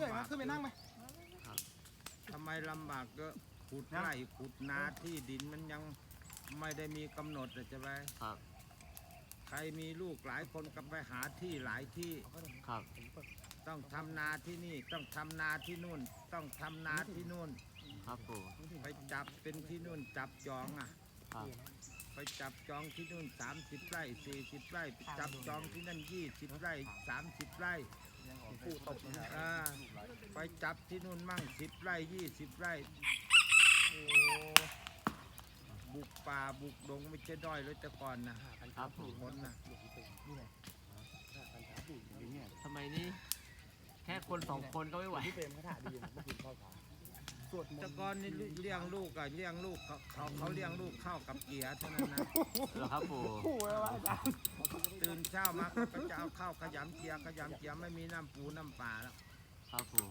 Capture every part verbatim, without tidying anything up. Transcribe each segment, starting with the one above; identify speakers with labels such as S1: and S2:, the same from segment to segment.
S1: ำบากขึ้นไปนั่งไหม
S2: ทำไมลำบากก็ขุดไร่ขุดนาที่ดินมันยังไม่ได้มีกำหนดเลยจะไป
S3: ครับ
S2: ใครมีลูกหลายคนก็ไปหาที่หลายที่
S3: ครับ
S2: ต้องทำนาที่นี่ต้องทำนาที่นู่นต้องทำนาที่นู่น
S3: ครับปู่
S2: ไปจับเป็นที่นู่นจับจองอ่ะ
S3: ครับ
S2: ไปจับจองที่นู่นสามสิบไร่สี่สิบไร่ไปจับจองที่นั่นยี่สิบไร่สามสิบไร่ไปจับที่นู่นมั่งสิบไร่ยี่สิบไร่โอ้บุกป่าบุกดงไม่ใช่ด้อยเลยแต่ก่อนนะครับคนนะ
S3: ทำไมนี่แค่คนสองคนก็ไม่ไหว
S1: พี่เปรมเขาถ่ายดีนะเมื่อคืนเข้าขา
S2: แต่ก่อนนี่เลี้ยงลูกกับเลี้ยงลูกเขาเขาเขาเลี้ยงลูกเข้ากับเกียร์เท่านั้นนะ
S3: เหรอครับปู่
S2: ตื่นเช้ามาก็จะเอาข้าวขยำเกียร์ขยำเกียร์ไม่มีน้ำปูน้ำปลาแล้ว
S3: ครับปู่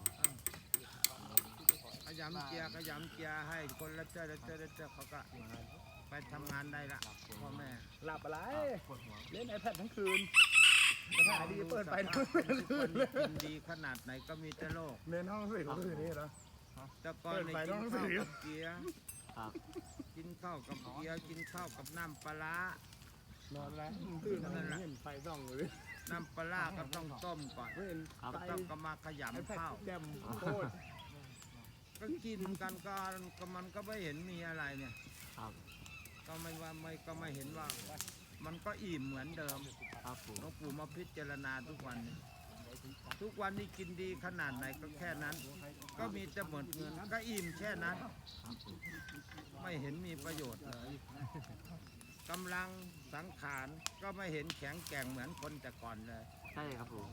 S2: ขยำเกียร์ขยำเกียร์ให้คนละเจ้าละเจ้าละเจ้าเขาก็ไปทำงานได้ละพ่อแม่
S1: หลับอะไรเล่นไอแพดทั้งคืนถ่ายดีเปิดไปทั้ง
S2: คืนกินดีขนาดไหนก็มีแต่โลก
S1: เน้นห้องสี่ของคืนนี้เหรอ
S2: แต่ก่อนในกินข้าวกับเกี๊ยวกินข้าวกับเกี๊ยวกินข้าวกับน้ำปลาน
S1: อนแล้วตื่นนั่นแหละไฟส่องเลย
S2: น้ำปลาก็ต้องต้มก่อนต้องก็มาขยำข้าว
S1: แจ่มโคตร
S2: ก็กินกันก็ก็มันก็ไม่เห็นมีอะไรเนี่ยก็ไม่ว่าไม่ก็ไม่เห็นว่ามันก็อิ่มเหมือนเดิมหลวงปู่มาพิจารณาทุกวันนี้ทุกวันนี้กินดีขนาดไหนก็แค่นั้นก็มีแต่หมดเงินก็อิ่มแค่นั้นไม่เห็นมีประโยชน์เลยกำลังสังขารก็ไม่เห็นแข็งแกร่งเหมือนคนแต่ก่อนเลย
S3: ใช่ครับผม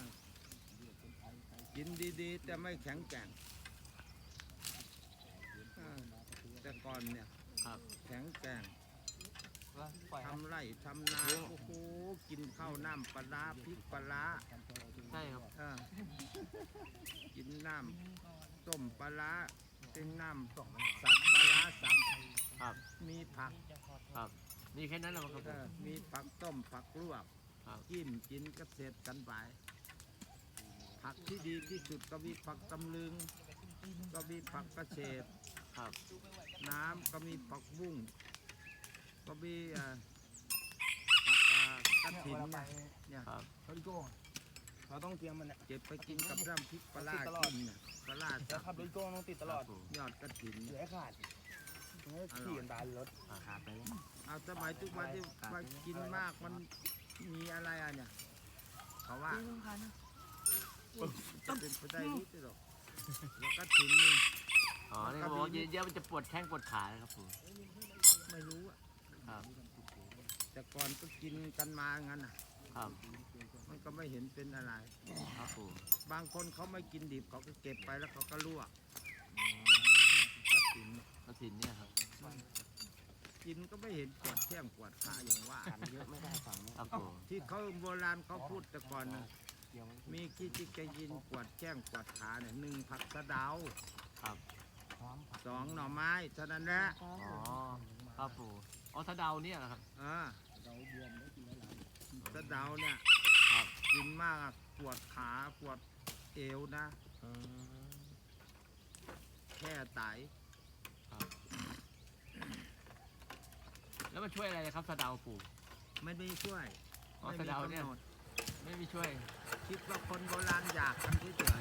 S2: กินดีๆแต่ไม่แข็งแกร่งแต่ก่อนเนี่ยแข็งแกร่งทำไร่ทำนาโอ้โหกินข้าวน้ำปลาพริกปลา
S3: ใช่ครับ
S2: กินน้ำต้มปลาเป็นน้ำสับปลาสับ
S3: ครับ
S2: มีผัก
S3: ครับมีแค่นั้นแหละครับ
S2: มีผักต้มผักลวกกินกินก็เสร็จกันไปผักที่ดีที่สุดก็มีผักตำลึงก็มีผักกระเฉดน้ำก็มีผักบุ้งก็มีผักกระถิ่นเนี่ย
S1: เขาดิโก้เราต้องเตรียมมันเนี่ย
S2: เก็บไปกินกับน้ำพริกปลากินเนี่ยปลา
S1: แล้วขับดิโก้ต้องติดตลอด
S2: ยอดกระถิ่น
S1: เหลือขาดขี่กันตายรถ
S3: ขาดไป
S2: เอาสมัยทุกวันที่ว่ากินมากมันมีอะไรอ่ะเนี่ยเขาว่าจะเป็นไปได้นิดหรอกแล้วกระถิ่นนี่
S3: อ๋อนี่เขาบอกเยอะๆมันจะปวดแข้งปวดขาครับผม
S2: ไม่รู้อ่ะ
S3: ครับ
S2: แต่ก่อนก็กินกันมางั้นอ่ะ
S3: ครับ
S2: มันก็ไม่เห็นเป็นอะไร
S3: ครับผม
S2: บางคนเขาไม่กินดิบเขาก็เก็บไปแล้วเขาก็ลวกกระถิ่น
S3: กระถิ่นเนี่ยครับ
S2: กินก็ไม่เห็นปวดแข้งปวดขาอย่างว่า
S3: เยอะไม่ได้ฝั่งนี้ครับผม
S2: ที่เขาโบราณเขาพูดแต่ก่อนนะมีกี่จิกยินปวดแข้งปวดขาเนี่ยหนึ่งผักสะเดา
S3: ครับ
S2: สองหน่อไม้เท่านั้นแหละ
S3: อ๋อครับผมอ๋อสะเดาเนี่ยครับ
S2: อ่าสะเดาเนี่ยกินมากปวดขาปวดเอวนะแค่ไต
S3: แล้วมันช่วยอะไรครับสะเดาปู่
S2: ไม่ได้ช่วย
S3: อ๋อสะเดาเนี่ยไม่มีช่วย
S2: คิดว่าคนโบราณอยากกันเฉย